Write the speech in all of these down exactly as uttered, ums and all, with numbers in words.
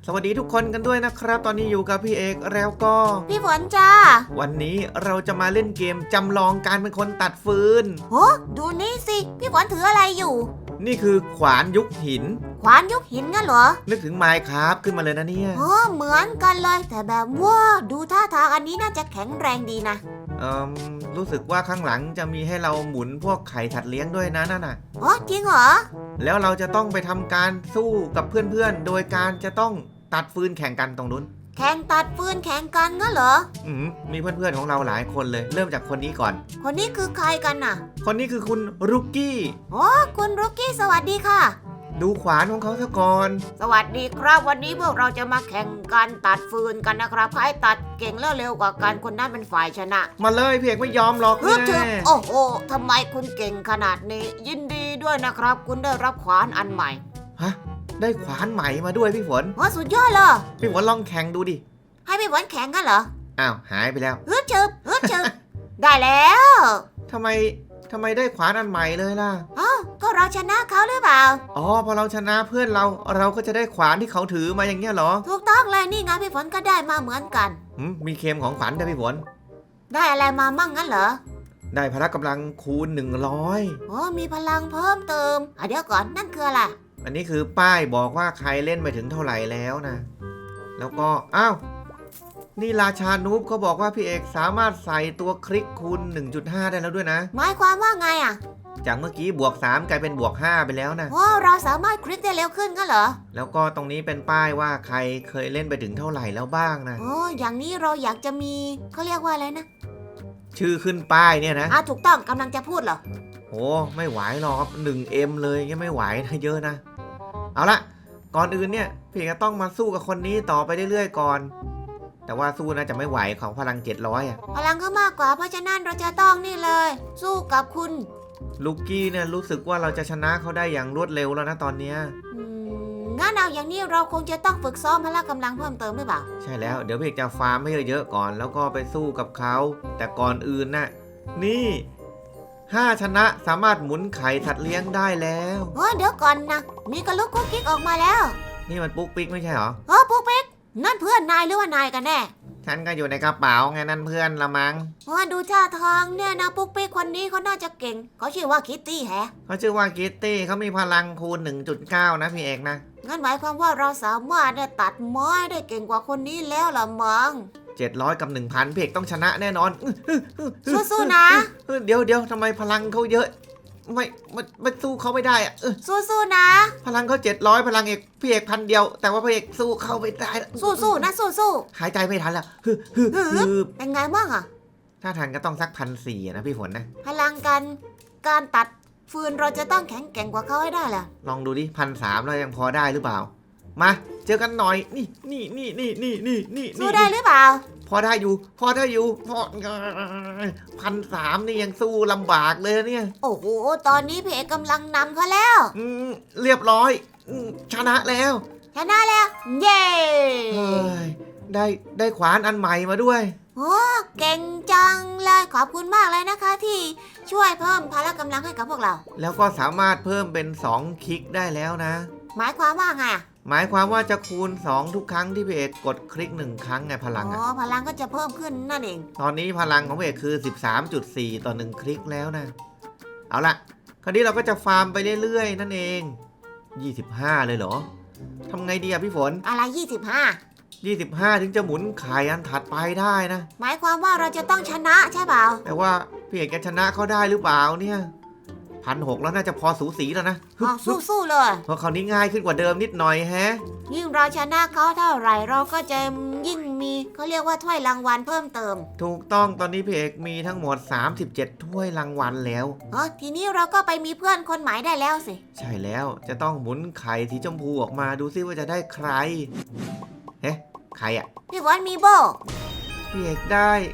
สวัสดีทุกคนกันด้วยนะครับตอนนี้อยู่กับพี่เอกแล้วก็พี่ฝนจ้าวันนี้เราจะมาเล่นเกมจำลองการเป็นคนตัดฟืนโอ้ดูนี่สิพี่ฝนถืออะไรอยู่นี่คือขวานยุคหินขวานยุคหินงั้นเหรอนึกถึงไมน์คราฟขึ้นมาเลยนะเนี่ยโอ้เหมือนกันเลยแต่แบบว่าดูท่าทางอันนี้น่าจะแข็งแรงดีนะเอ่อรู้สึกว่าข้างหลังจะมีให้เราหมุนพวกไข่ถัดเลี้ยงด้วยนะนั่นน่ะอ๋อจริงเหรอแล้วเราจะต้องไปทำการสู้กับเพื่อนๆโดยการจะต้องตัดฟืนแข่งกันตรงนู้นแข่งตัดฟืนแข่งกันงั้นเหรออืมมีเพื่อนๆของเราหลายคนเลยเริ่มจากคนนี้ก่อนคนนี้คือใครกันน่ะคนนี้คือคุณรุกกี้โอ้คุณรุกกี้สวัสดีค่ะดูขวานของเขาซะก่อนสวัสดีครับวันนี้พวกเราจะมาแข่งกันตัดฟืนกันนะครับใครตัดเก่งแล้วเร็วกว่ากันคนนั้นเป็นฝ่ายชนะมาเลยเพียกไม่ยอมหรอกแน่โอ้โหทำไมคุณเก่งขนาดนี้ยินดีด้วยนะครับคุณได้รับขวานอันใหม่ฮะได้ขวานใหม่มาด้วยพี่ฝนโอ้สุดยอดเลยพี่ฝนลองแข่งดูดิให้พี่ฝนแข่งกันเหรออ้าวหายไปแล้วฮึดชึบฮึดชึบ ได้แล้วทำไมทำไมได้ขวานอันใหม่เลยล่ะอ๋อก็เราชนะเขาหรือเปล่าอ๋อพอเราชนะเพื่อนเราเราก็จะได้ขวานที่เขาถือมาอย่างเงี้ยเหรอถูกต้องเลยนี่ไงพี่ฝนก็ได้มาเหมือนกันอืมมีเค็มของขวัญด้วยพี่ฝนได้อะไรมามั่งงั้นเหรอได้พละกำลังคูณหนึ่งร้อยโอ้มีพลังเพิ่มเติมอ่ะเดี๋ยวก่อนนั่นคืออะไรอันนี้คือป้ายบอกว่าใครเล่นไปถึงเท่าไหร่แล้วนะแล้วก็อ้าวนี่ราชานูบเขาบอกว่าพี่เอกสามารถใส่ตัวคลิกคูณ หนึ่งจุดห้า ได้แล้วด้วยนะหมายความว่าไงอ่ะจากเมื่อกี้บวกสามกลายเป็นบวกห้าไปแล้วนะโอ้เราสามารถคลิกได้เร็วขึ้นงั้นเหรอแล้วก็ตรงนี้เป็นป้ายว่าใครเคยเล่นไปถึงเท่าไหร่แล้วบ้างนะโอ้อย่างนี้เราอยากจะมีเขาเรียกว่าอะไรนะชื่อขึ้นป้ายเนี่ยนะอ่ะถูกต้องกำลังจะพูดเหรอโอ้ไม่ไหวหรอกครับ หนึ่งเอ็ม เลยยังไม่ไหวนะเยอะนะเอาละก่อนอื่นเนี่ยพี่ก็ต้องมาสู้กับคนนี้ต่อไปเรื่อยๆก่อนแต่ว่าสู้น่าจะไม่ไหวของพลังเจ็ดร้อยอ่ะพลังก็มากกว่าเพราะฉะนั้นเราจะต้องนี่เลยสู้กับคุณลูกกี้เนี่ยรู้สึกว่าเราจะชนะเขาได้อย่างรวดเร็วแล้วนะตอนเนี้ยงั้นเอาอย่างนี้เราคงจะต้องฝึกซ้อมพละกำลังเพิ่มเติมหรือเปล่าใช่แล้วเดี๋ยวพี่จะฟาร์มให้เยอะๆก่อนแล้วก็ไปสู้กับเขาแต่ก่อนอื่นน่ะนี่ห้าชนะสามารถหมุนไข่ถัดเลี้ยงได้แล้วเฮ้ยเดี๋ยวก่อนนะมีกระลุกกุ๊กกิ๊กออกมาแล้วนี่มันปุ๊กปิ๊กไม่ใช่เหรอเออปุ๊กปิ๊กนั่นเพื่อนนายหรือว่านายกันแน่ฉันก็อยู่ในกระเป๋าไงนั่นเพื่อนละมั้งว่าดูท่าทางเนี่ยนะปุ๊กปิ๊กคนนี้เขาน่าจะเก่งเขาชื่อว่าคิตตี้แฮะเขาชื่อว่าคิตตี้เขามีพลังคูณ หนึ่งจุดเก้า นะพี่เอกนะงั้นหมายความว่าเราสามารถเนี่ยตัดไม้ได้เก่งกว่าคนนี้แล้วล่ะมั้งเจ็ดร้อยกับ หนึ่งพัน พี่เอกต้องชนะแน่นอนสู้ๆนะเดี๋ยวเดี๋ยวทำไมพลังเขาเยอะไม่ไม่ไม่สู้เขาไม่ได้อะสู้ๆนะพลังเขาเจ็ดร้อยพลังเอกพี่เอกพันเดียวแต่ว่าพี่เอกสู้เขาไม่ได้สู้ๆนะสู้ๆหายใจไม่ทันแล้วฮึฮึฮึเป็นไงบ้างอะถ้าทันก็ต้องสักพันสี่นะพี่ฝนนะพลังการการตัดฟืนเราจะต้องแข็งแกร่งกว่าเขาให้ได้แหละลองดูดิพันสามเรายังพอได้หรือเปล่ามาเจอกันหน่อยนี่นี่นี่นี่นี่นี่นี่สู้ได้หรือเปล่าพอได้อยู่พอได้อยู่พอพันสามนี่ยังสู้ลำบากเลยเนี่ยโอ้โหตอนนี้เพเอกกำลังนำเขาแล้วอืมเรียบร้อยชนะแล้วชนะแล้วเย้เฮ้ยได้ได้ขวานอันใหม่มาด้วยโอ้เก่งจังเลยขอบคุณมากเลยนะคะที่ช่วยเพิ่มพละกำลังให้กับพวกเราแล้วก็สามารถเพิ่มเป็นสองคลิกได้แล้วนะหมายความว่าไงหมายความว่าจะคูณสองทุกครั้งที่พี่เอกกดคลิกหนึ่งครั้งไงพลังอ๋อพลังก็จะเพิ่มขึ้นนั่นเองตอนนี้พลังของพี่เอกคือ สิบสามจุดสี่ ต่อหนึ่งคลิกแล้วนะเอาละคราวนี้เราก็จะฟาร์มไปเรื่อยๆนั่นเองยี่สิบห้าเลยเหรอทำไงดีอะพี่ฝนอะไรยี่สิบห้ายี่สิบห้าถึงจะหมุนไข่อันถัดไปได้นะหมายความว่าเราจะต้องชนะใช่เปล่าแต่ว่าพี่เอกจะชนะเขาได้หรือเปล่าเนี่ยพันหกแล้วน่าจะพอสูสีแล้วนะสู้ๆเลยเพราะคราวนี้ง่ายขึ้นกว่าเดิมนิดหน่อยแฮะยิ่งเราชนะเขาเท่าไหร่เราก็จะยิ่งมีเขาเรียกว่าถ้วยรางวัลเพิ่มเติมถูกต้องตอนนี้พี่เอกมีทั้งหมดสามสิบเจ็ดถ้วยรางวัลแล้วอ๋อทีนี้เราก็ไปมีเพื่อนคนใหม่ได้แล้วสิใช่แล้วจะต้องหมุนไข่สีชมพูออกมาดูซิว่าจะได้ใครเฮ้ใครอ่ะพี่วอนมีโบพี่เอกได้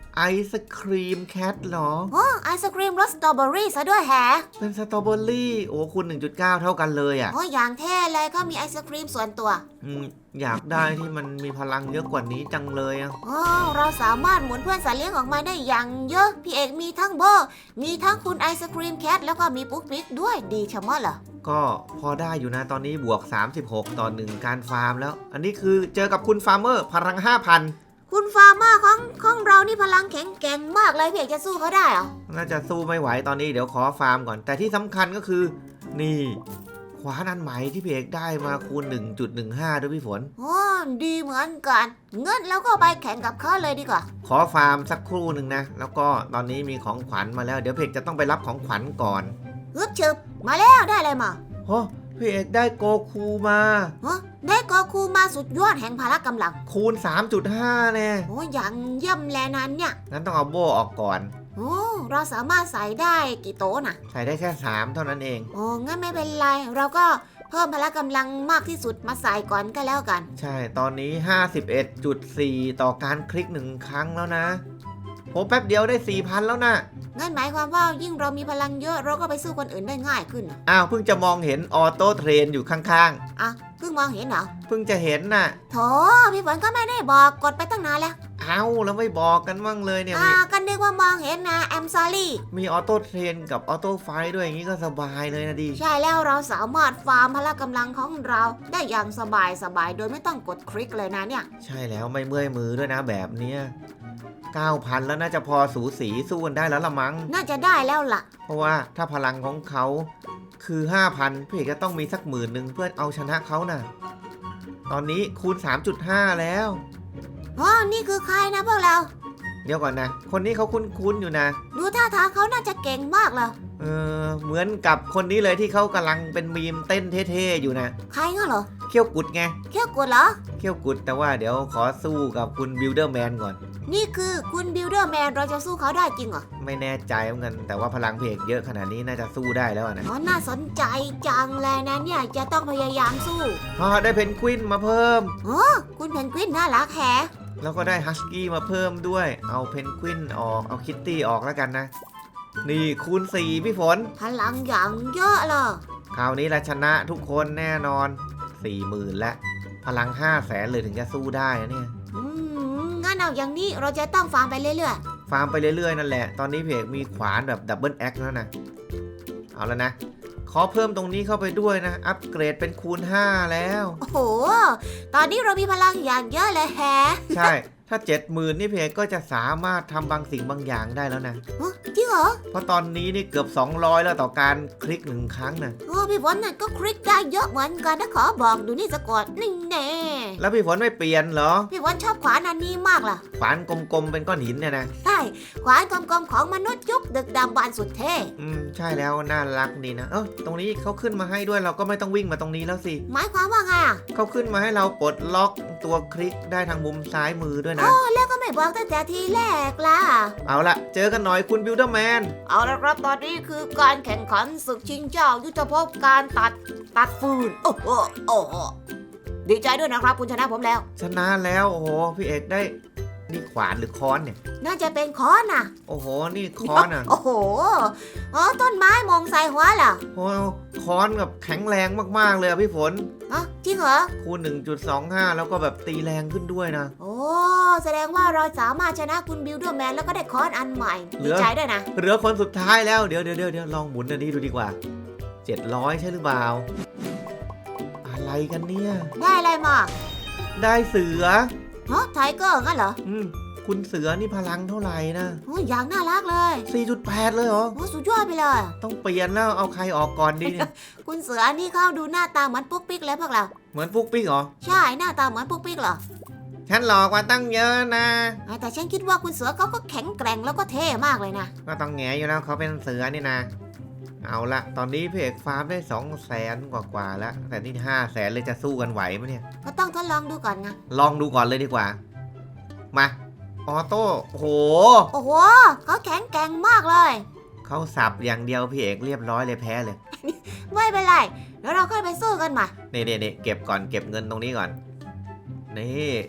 ไอศครีมแคทเหรอโอ้ไอศครีมรสสตรอเบอรี่ซะด้วยแฮะเป็นสตรอเบอรี่โอ้คุณ หนึ่งจุดเก้า เท่ากันเลยอ่ะโอ้อย่างเท่เลยก็มีไอศครีมส่วนตัวอืมอยากได้ที่มันมีพลังเยอะกว่านี้จังเลยอ่ะโอ้เราสามารถหมุนเพื่อนสัตว์เลี้ยงออกมาได้อย่างเยอะ พี่เอกมีทั้งโบมีทั้งคุณไอศครีมแคทแล้วก็มีปุ๊กปิ๊กด้วยดีชะมัดเหรอก็พอได้อยู่นะตอนนี้บวกสามสิบหกต่อหนึ่งการฟาร์มแล้ว อันนี้คือเจอกับคุณฟาร์มเมอร์พลัง ห้าพันคุณฟาร์มาของของเรานี่พลังแข็งแกร่งมากเลยพี่เอกจะสู้เขาได้เหรอน่าจะสู้ไม่ไหวตอนนี้เดี๋ยวขอฟาร์มก่อน แต่ที่สำคัญก็คือ นี่ขวานอันใหม่ที่พี่เอกได้มาคูณ หนึ่งจุดหนึ่งห้า ด้วยพี่ฝนโอ้ดีเหมือนกันเงินแล้วก็ไปแข่งกับเขาเลยดีกว่าขอฟาร์มสักครู่หนึ่งนะ แล้วก็ตอนนี้มีของขวัญมาแล้วเดี๋ยวพี่เอกจะต้องไปรับของขวัญก่อนฮึบชึบมาแล้วได้อะไรมาโอ้พี่เอกได้โกคูมาฮะได้กอคูมาสุดยอดแห่งพละกำลังคูณ สามจุดห้า แน่โอ้อย่างเยี่ยมแลนั้นเนี่ยงั้นต้องเอาโบออกก่อนโอ้เราสามารถใส่ได้กี่โต๊ะน่ะใส่ได้แค่สามเท่านั้นเองโอ้งั้นไม่เป็นไร เราก็เพิ่มพละกำลังมากที่สุดมาใส่ก่อนก็แล้วกันใช่ ตอนนี้ ห้าสิบเอ็ดจุดสี่ ต่อการคลิกหนึ่งครั้งแล้วนะโหแป๊บเดียวได้ สี่พัน แล้วนะงั้นหมายความว่ายิ่งเรามีพลังเยอะเราก็ไปสู้คนอื่นได้ง่ายขึ้นน่ะอ้าวเพิ่งจะมองเห็นออโต้เทรนอยู่ข้างอ่ะเพิ่งมองเห็นเหรอๆ เพิ่งจะเห็นน่ะโถพี่ฝนก็ไม่ได้บอกกดไปตั้งนานแล้วเอ้าแล้วไม่บอกกันบ้างเลยเนี่ยอ่ามีก็นึกว่ามองเห็นนะแอมซอรี่มีออโต้เทรนกับออโต้ไฟด้วยอย่างนี้ก็สบายเลยนะดิใช่แล้วเราสามารถฟาร์มพละกำลังของเราได้อย่างสบายสบายๆโดยไม่ต้องกดคลิกเลยนะเนี่ยใช่แล้วไม่เมื่อยมือด้วยนะแบบเนี้ยเก้าพัน แล้วน่าจะพอสูสีสู้กันได้แล้วละมั้งน่าจะได้แล้วล่ะเพราะว่าถ้าพลังของเขาคือ ห้าพัน พี่เอกก็ต้องมีสักหมื่นหนึ่งเพื่อเอาชนะเขาน่ะ ตอนนี้คูณ สามจุดห้า แล้วอ๋อ นี่คือใครนะพวกเราเดี๋ยวก่อนนะ คนนี้เขาคุ้นๆอยู่นะดูท่าทางเขาน่าจะเก่งมากเลยเออเหมือนกับคนนี้เลยที่เขากำลังเป็นมีมเต้นเท่ๆอยู่นะใครงั้นเหรอเขี้ยวกุดไงเขี้ยวกดเหรอเขี้ยวกุดแต่ว่าเดี๋ยวขอสู้กับคุณบิลเดอร์แมนก่อนนี่คือคุณบิลเดอร์แมนเราจะสู้เขาได้จริงเหรอไม่แน่ใจเหมือนกันแต่ว่าพลังเพกเยอะขนาดนี้น่าจะสู้ได้แล้วอะนะอ๋อ น่าสนใจจังเลยนะเนี่ยจะต้องพยายามสู้พอได้เพนกวินมาเพิ่มคุณเพนกวินน่ารักแฮะแล้วก็ได้ฮัสกี้มาเพิ่มด้วย เอาเพนกวินออก เอาคิตตี้ออกแล้วกันนะ นี่คูณ สี่ พี่ฝนพลังอย่างเยอะเลยคราวนี้ละชนะทุกคนแน่นอน สี่หมื่น แล้ว พลัง ห้าแสนเลยถึงจะสู้ได้นะเนี่ยอืมงั้นเอาอย่างนี้เราจะต้องฟาร์มไปเรื่อยฟาร์มไปเรื่อยๆนั่นแหละ ตอนนี้เพกมีขวานแบบดับเบิลแอคแล้วนะ เอาแล้วนะ ขอเพิ่มตรงนี้เข้าไปด้วยนะ อัปเกรดเป็นคูณ ห้า แล้วๆ โอ้โห ตอนนี้เรามีพลังอย่างเยอะเลยแฮะใช่ ถ้า เจ็ดหมื่น นี่เพกก็จะสามารถทำบางสิ่งบางอย่างได้แล้วนะฮะจริงเหรอเพราะตอนนี้นี่เกือบ สองร้อย แล้วต่อการคลิกหนึ่งครั้งนะโอ้พี่ฝนน่ะก็คลิกได้เยอะเหมือนกันนะขอบอกดูนี่สะกดนี่แน่แล้วพี่ฝนไม่เปลี่ยนเหรอพี่ฝนชอบขวานอันนี้มากล่ะขวานกลมๆเป็นก้อนหินเนี่ยนะใช่ขวานกลมๆของมนุษย์ยุคดึกดำบรรพ์สุดเท่อืมใช่แล้วน่ารักดีนะ เอ้าตรงนี้เขาขึ้นมาให้ด้วยเราก็ไม่ต้องวิ่งมาตรงนี้แล้วสิหมายความว่าไงอ่ะเขาขึ้นมาให้เราปลดล็อกตัวคลิกได้ทางมุมซ้ายมือด้วยนะโอ้แล้วก็ไม่บอกตั้งแต่ทีแรกล่ะเอาละเจอกันหน่อยคุณบิลเดอร์แมนเอาละครับตอนนี้คือการแข่งขันศึกชิงเจ้ายุทธภพการตัดตัดฟืน โอ้โหโอ้โหดีใจด้วยนะครับคุณชนะผมแล้วชนะแล้วโอ้โหพี่เอกได้นี่ขวานหรือค้อนเนี่ยน่าจะเป็นค้อนน่ะโอ้โหนี่ค้อนอ่ะโอ้โหอ๋อต้นไม้มองใส่หัวเหรอโอ้โหค้อนแบบแข็งแรงมากๆเลยอะพี่ฝนอ๋อจริงเหรอคูณ หนึ่งจุดสองห้า แล้วก็แบบตีแรงขึ้นด้วยนะโอ้แสดงว่าเราสามารถชนะคุณบิลเดอร์แมนแล้วก็ได้ค้อนอันใหม่เหลืดีอใจด้วยนะเหลือคนสุดท้ายแล้วเดี๋ยวเดี๋ยวเดี๋ยวลองหมุนอันนี้ดูดีกว่า เจ็ดร้อย ใช่หรือเปล่า อะไรกันเนี่ยได้อะไรมาได้เสือฮะไทเกอร์งั้นเหรออืมคุณเสือนี่พลังเท่าไหร่นะโอ้ยอย่างน่ารักเลยสี่จุดแปด เลยเหรอโอ้สุดยอดไปเลยต้องเปลี่ยนแล้วเอาใครออกก่อนดีเนี่ยคุณเสือนี่เข้าดูหน้าตาเหมือนปุ๊กปิ๊กเลยพวกเราเหมือนฟุกปิ๊กเหรอใช่หน้าตาเหมือนปุ๊กปิ๊กเหรอฉันหลอกกว่าตั้งเยอะนะแต่ฉันคิดว่าคุณเสือเขาก็แข็งแกร่งแล้วก็เท่มากเลยนะก็ต้องแงอยู่แล้วเขาเป็นเสือนี่นะ เอาละตอนนี้พี่เอกฟาร์มได้สองแสนกว่ากว่าแล้ว แต่นี่ห้าแสนเลยจะสู้กันไหวไหมเนี่ยก็ต้องทดลองดูก่อนไงลองดูก่อนเลยดีกว่า มา ออโต้โอ้โหโอ้โหเขาแข็งแกร่งมากเลยเขาสับอย่างเดียวพี่เอกเรียบร้อยเลยแพ้เลยไม่เป็นไรแล้วเราค่อยไปสู้กันใหม่นี่นี่นี่เก็บก่อนเก็บเงินตรงนี้ก่อน นี่ โอ้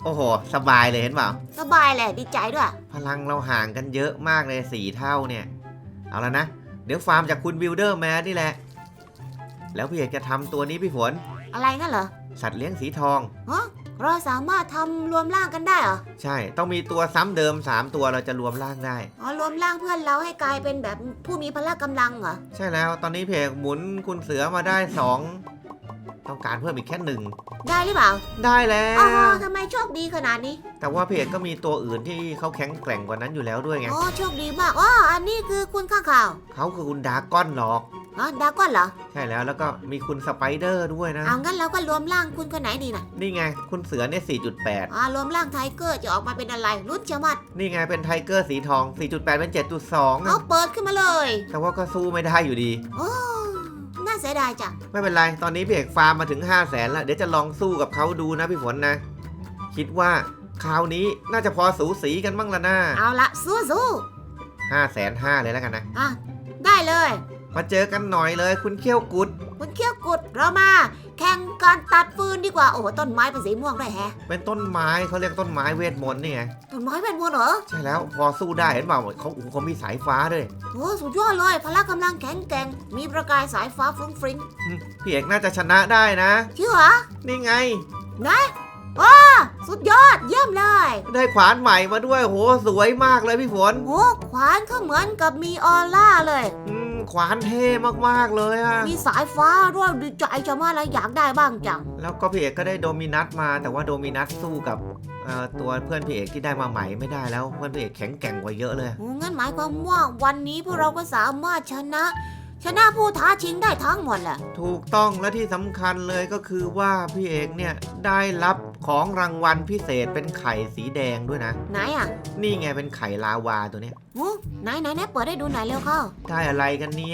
โอ้โหสบายเลยเห็นเปล่าสบายเลยดีใจด้วยพลังเราห่างกันเยอะมากเลยสี่เท่าเนี่ยเอาแล้วนะเดี๋ยวฟาร์มจากคุณบิลเดอร์แมนนี่แหละแล้วพี่เอกจะทำตัวนี้พี่ฝนอะไรงั้นเหรอสัตว์เลี้ยงสีทองฮะเราสามารถทำรวมร่างกันได้เหรอใช่ต้องมีตัวซ้ำเดิมสามตัวเราจะรวมร่างได้อ๋อรวมร่างเพื่อนเราให้กลายเป็นแบบผู้มีพละกำลังเหรอใช่แล้วตอนนี้พี่เอกหมุนคุณเสือมาได้สองต้องการเพิ่มอีกแค่หนึ่งได้หรือเปล่าได้แล้อ๋อวทำไมโชคดีขนาดนี้แต่ว่าพี่เอกก็มีตัวอื่นที่เขาแข็งแกร่งกว่านั้นอยู่แล้วด้วยไงอ๋อโชคดีมากอ๋ออันนี้คือคุณข้างข่าวเขาคือคุณดราก้อนหรอกอ๋อดราก้อนเหรอใช่แล้วแล้วก็มีคุณสไปเดอร์ด้วยนะเอางั้นเราก็รวมร่างคุณคนไหนดีนะนี่ไงคุณเสือเนี่ยสี่จุดแปดอ๋อรวมร่างไทเกอร์จะออกมาเป็นอะไรรุ่นเชียวมัดนี่ไงเป็นไทเกอร์สีทอง สี่จุดแปด เป็น เจ็ดจุดสองเอาเปิดขึ้นมาเลยแต่ว่าก็สู้ไม่ได้อยู่ดีโอ้น่าเสียดายจังไม่เป็นไร ตอนนี้พี่เอกฟาร์มมาถึง ห้าแสนแล้ว เดี๋ยวจะลองสู้กับเขาดูนะพี่ฝนนะ คิดว่าคราวนี้น่าจะพอสูสีกันบ้างละนะเอาละสู้สู้ห้าแสนห้าเลยแล้วกันนะอ่ะได้เลยมาเจอกันหน่อยเลยคุณเขี้ยวกุดคุณเขี้ยวกุดเรามา แข่งการตัดฟืนดีกว่าโอ้โหต้นไม้เป็นสีม่วงด้วยแฮะเป็นต้นไม้เขาเรียกต้นไม้เวทมนต์นี่ไงต้นไม้เป็นวัวเหรอใช่แล้วพอสู้ได้เห็นเปล่าเขาโอ้โหเขามีสายฟ้าด้วยโอ้สุดยอดเลยพละกำลังแข็งแกร่งมีประกายสายฟ้าฟรุ้งฟริ้งอืมพี่เอกน่าจะชนะได้นะเชื่อเหรอนี่ไงนะว้าสุดยอดเยี่ยมเลยได้ขวานใหม่มาด้วยโหสวยมากเลยพี่ฝนโอ้ขวานเขาเหมือนกับมีออร่าเลยอืมขวานเท่มากๆเลยอะมีสายฟ้าด้วยดีใจจะมาแล้วอยากได้บ้างจังแล้วก็พี่เอกก็ได้โดมินัสมาแต่ว่าโดมินัสสู้กับเอ่อตัวเพื่อนพี่เอกที่ได้มาใหม่ไม่ได้แล้วเพื่อนพี่เอกแข็งแกร่งกว่าเยอะเลยโอ้งั้นหมายความว่าวันนี้พวกเราก็สามารถชนะ ชนะผู้ท้าชิงได้ทั้งหมดแหละถูกต้องและที่สำคัญเลยก็คือว่าพี่เอกเนี่ยได้รับของรางวัลพิเศษเป็นไข่สีแดงด้วยนะไหนอ่ะนี่ไงเป็นไข่ลาวาตัวเนี้ยโอ้ไหนไหนไหนเปิดให้ดูหน่อยเร็วเข้าได้อะไรกันเนี่ย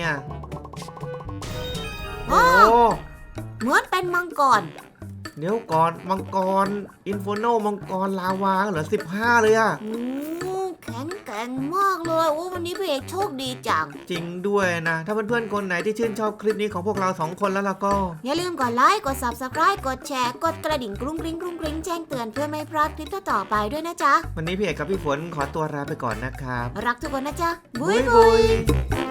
โอ้โอ้เหมือนเป็นมังกรเดี๋ยวก่อนมังกรอินโฟโนมังกรลาวาเหรอสิบห้าเลยอะโอ้แข็งแกร่งมากเลยโอ้วันนี้พี่เอกโชคดีจังจริงด้วยนะ ถ้าเพื่อนๆคนไหนที่ชื่นชอบคลิปนี้ของพวกเราสองคนแล้วล่ะก็อย่าลืมกดไลค์กด ซับสไครบ์ กดแชร์กดกระดิ่งกรุ้งกริ้งกรุ้งกริ้งแจ้งเตือนเพื่อไม่พลาดคลิปต่อๆไปด้วยนะจ๊ะวันนี้พี่เอกกับพี่ฝนขอตัวลาไปก่อนนะครับรักทุกคนนะจ๊ะบุยบุย